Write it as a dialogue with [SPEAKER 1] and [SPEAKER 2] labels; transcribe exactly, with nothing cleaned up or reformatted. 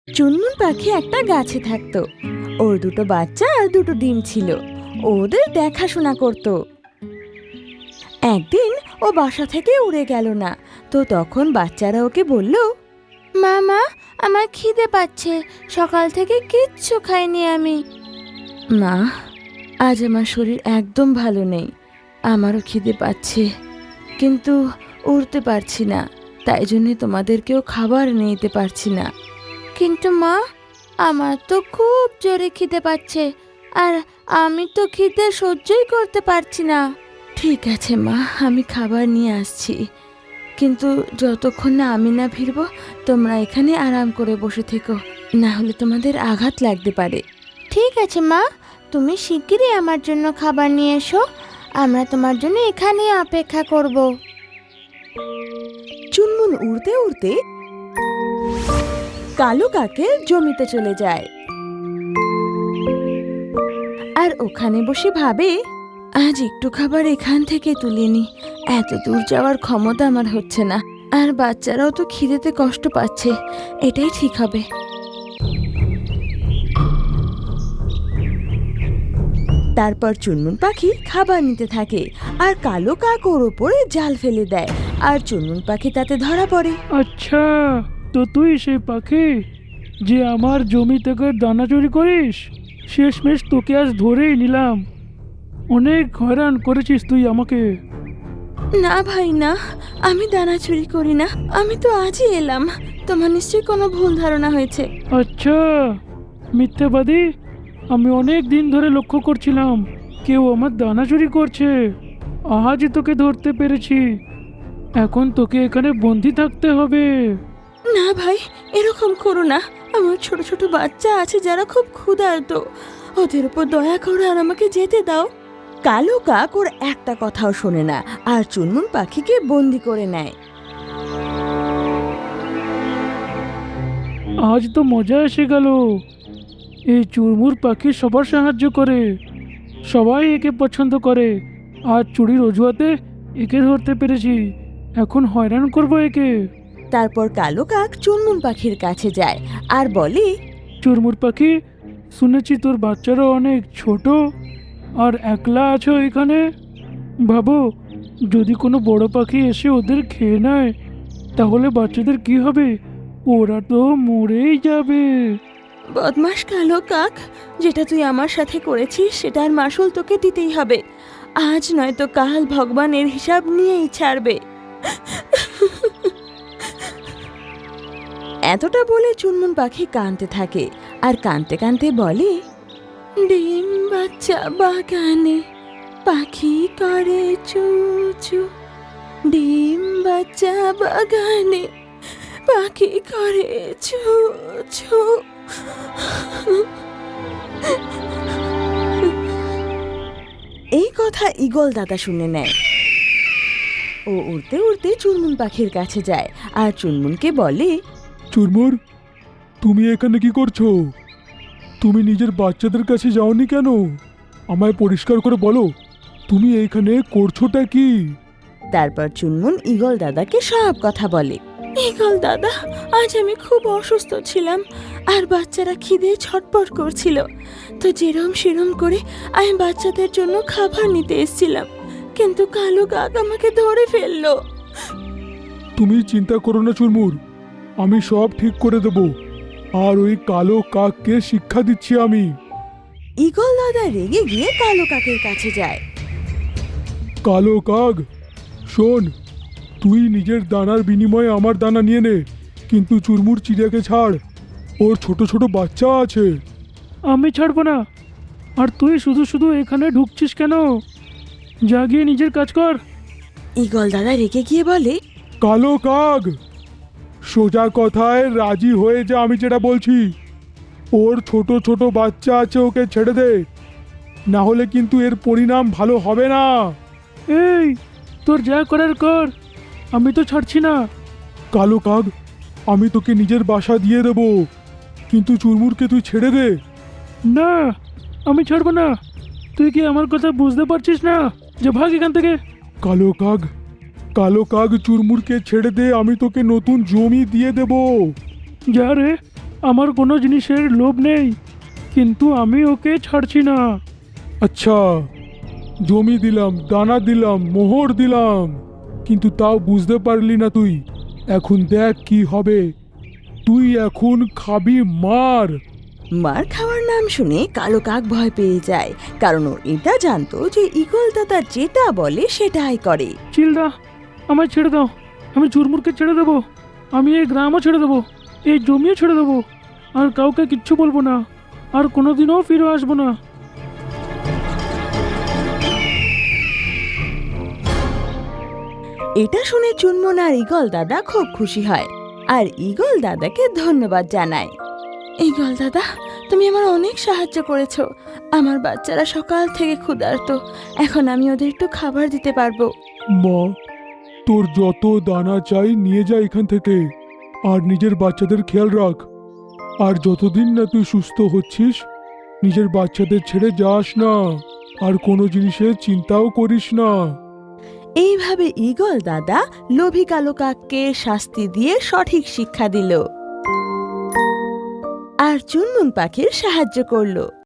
[SPEAKER 1] চুনমুন পাখি একটা গাছে থাকতো। ওর দুটো বাচ্চা আর দুটো ডিম ছিল। ওদের দেখাশোনা করত। একদিন ও বাসা থেকে উড়ে গেল না, তো তখন বাচ্চারা ওকে বলল,
[SPEAKER 2] মামা, আমার খিদে পাচ্ছে, সকাল থেকে কিচ্ছু খাইনি আমি।
[SPEAKER 1] মা, আজ আমার শরীর একদম ভালো নেই, আমারও খিদে পাচ্ছে, কিন্তু উড়তে পারছি না, তাই জন্যে তোমাদেরকেও খাবার নিয়ে যেতে পারছি না।
[SPEAKER 2] কিন্তু মা, আমার তো খুব জোরে খিদে পাচ্ছে, আর আমি তো খিদে সহ্যই করতে পারছি না।
[SPEAKER 1] ঠিক আছে মা, আমি খাবার নিয়ে আসছি, কিন্তু যতক্ষণ না আমি না ফিরব তোমরা এখানে আরাম করে বসে থেকো, না হলে তোমাদের আঘাত লাগতে পারে।
[SPEAKER 2] ঠিক আছে মা, তুমি শিগগিরই আমার জন্য খাবার নিয়ে এসো, আমরা তোমার জন্য এখানে অপেক্ষা করব।
[SPEAKER 1] চুনমুন উড়তে উড়তে কালো কাকের জমিতে চলে যায়, আর ওখানে বসে ভাবে, আজ একটু খাবার এখান থেকে তুলে নি, এত দূর যাওয়ার ক্ষমতা আমার হচ্ছে না, আর বাচ্চারাও তো খিদেতে কষ্ট পাচ্ছে, এটাই ঠিক হবে। তারপর চুনমুন পাখি খাবার নিতে থাকে, আর কালো কাক ওর ওপরে জাল ফেলে দেয়, আর চুনমুন পাখি তাতে ধরা পড়ে।
[SPEAKER 3] আচ্ছা, তো তুই সেই পাখি যে আমার জমি থেকে দানা চুরি করিস? শেষমেশ তোকে আজ ধরেই নিলাম। অনেক হয়রান করেছিস তুই আমাকে।
[SPEAKER 1] না ভাই না, আমি দানা চুরি করি না, আমি তো আজই এলাম, তোমার নিশ্চয়ই কোনো ভুল ধারণা হয়েছে।
[SPEAKER 3] আচ্ছা, মিথ্যাবাদী, আমি অনেক দিন ধরে লক্ষ্য করছিলাম কেউ আমার দানা চুরি করছে। আজ তোকে ধরতে পেরেছি, এখন তোকে এখানে বন্দি থাকতে হবে।
[SPEAKER 1] না ভাই, এরকম করো না, আমার ছোট ছোট বাচ্চা আছে যারা খুব ক্ষুধার্ত, ওদের উপর দয়া করো আর আমাকে যেতে দাও। কালো কাক ওর একটা কথাও শোনে না, আর চুনমুন পাখিকে বন্দি করে নেয়।
[SPEAKER 3] আজ তো মজা এসে গেল। এই চুরমুর পাখি সবার সাহায্য করে, সবাই একে পছন্দ করে, আর চুরির অজুহাতে একে ধরতে পেরেছি, এখন হয়রান করব একে।
[SPEAKER 1] তারপর কালো কাক চুনমুন পাখির কাছে যায় আর বলে,
[SPEAKER 3] চুরমুর পাখি, শুনেছি তোর বাচ্চারা অনেক ছোট আর একলা আছো এখানে। ভাবো, যদি কোনো বড় পাখি এসে ওদের খেয়ে নেয় তাহলে বাচ্চাদের কি হবে? ওরা তো মরেই যাবে।
[SPEAKER 1] বদমাস কালো কাক, যেটা তুই আমার সাথে করেছিস সেটার মাসুল তোকে দিতেই হবে, আজ নয়তো কাল ভগবানের হিসাব নিয়েই ছাড়বে। এতটা বলে চুনমুন পাখি কাঁদতে থাকে, আর কাঁদতে কাঁদতে বলে, ডিম বাচ্চা বাগানে পাখি করে চু চু, ডিম বাচ্চা বাগানে পাখি করে চু চু। এই কথা ঈগল দাদা শুনে নেয়। ও উড়তে উড়তে চুনমুন পাখির কাছে যায় আর চুনমুনকে বলে,
[SPEAKER 4] চুরমুর, তুমি এখানে কি করছো? তুমি নিজের বাচ্চাদের কাছে যাওনি কেন? আমায় পরিষ্কার করে বলো, তুমি এইখানে করছোটা কি?
[SPEAKER 1] তারপর চুনমুন ঈগল দাদাকে সব কথা বলে। ঈগল দাদা, আজ আমি খুব অসুস্থ ছিলাম, আর বাচ্চারা খিদে ছটপট করছিল, তো যেরম সেরম করে আমি বাচ্চাদের জন্য খাবার নিতে এসেছিলাম, কিন্তু কালো কাক আমাকে ধরে ফেললো।
[SPEAKER 4] তুমি চিন্তা করো না চুরমুর, আমি সব ঠিক করে দেব, আর ওই কালো কাককে শিক্ষা দিচ্ছি আমি।
[SPEAKER 1] ঈগল দাদা রেগে গিয়ে কালো কাকের কাছে যায়।
[SPEAKER 4] কালো কাক, শোন, তুই নিজের দানার বিনিময়ে আমার দানা নিয়ে নে, কিন্তু চুরমুর চিড়িয়াকে ছাড়, ওর ছোট ছোট বাচ্চা আছে।
[SPEAKER 3] আমি ছাড়বো না। আর তুই শুধু শুধু এখানে ঢুকছিস কেন? যা গিয়ে নিজের কাজ কর।
[SPEAKER 1] ঈগল দাদা রেগে গিয়ে বলে,
[SPEAKER 4] কালো কাক, সোজা কথায় রাজি হয়ে যা আমি যেটা বলছি। ওর ছোট ছোট বাচ্চা আছে, ওকে ছেড়ে দে, না হলে কিন্তু এর পরিণাম ভালো হবে না।
[SPEAKER 3] এই, তোর যা করার কর, আমি তো ছাড়ছি না।
[SPEAKER 4] কালো কাক, আমি তোকে নিজের বাসা দিয়ে দেব, কিন্তু চুরমুরকে তুই ছেড়ে দে।
[SPEAKER 3] না, আমি ছাড়বো না। তুই কি আমার কথা বুঝতে পারছিস না? যে ভাগ এখান থেকে।
[SPEAKER 4] কালো কাক, কালো কাক, চুরমুরকে ছেড়ে দে, আমি তোকে নতুন জমি দিয়ে দেব।
[SPEAKER 3] যা রে, আমার কোনো জিনিসের লোভ নেই, কিন্তু আমি ওকে ছাড়ছি না।
[SPEAKER 4] আচ্ছা, জমি দিলাম, দানা দিলাম, মোহর দিলাম, কিন্তু তাও বুঝতে পারলি না তুই। এখন দেখ কি হবে। তুই এখন খাবি মার।
[SPEAKER 1] মার খাওয়ার নাম শুনে কালো কাক ভয় পেয়ে যায়, কারণ ও এটা জানতো যে ঈগল দাদা যেটা বলে সেটাই করে।
[SPEAKER 3] চিলদা, আমায় ছেড়ে দাও। আমি চুরমুরকে ছেড়ে দেবো, আমি এই গ্রামও ছেড়ে দেবো, এই জমিও ছেড়ে দেবো, আর কাউকে কিচ্ছু বলবো না, আর কোনোদিনও ফিরে আসবো না।
[SPEAKER 1] এটা শুনে চুনমুন আর ঈগল দাদা খুব খুশি হয়, আর ঈগল দাদাকে ধন্যবাদ জানায়। ঈগল দাদা, তুমি আমার অনেক সাহায্য করেছো। আমার বাচ্চারা সকাল থেকে ক্ষুধার্ত, এখন আমি ওদের একটু খাবার দিতে পারবো।
[SPEAKER 4] মা, তোর যত দানা চাই নিয়ে যা এখান থেকে, আর নিজের বাচ্চাদের খেয়াল রাখ। আর যতদিন না তুই সুস্থ হচ্ছিস, নিজের বাচ্চাদের ছেড়ে যাস না, আর কোনো জিনিসের চিন্তাও করিস না।
[SPEAKER 1] এইভাবে ঈগল দাদা লোভী কালো কাককে শাস্তি দিয়ে সঠিক শিক্ষা দিল, আর চুনমুন পাখির সাহায্য করলো।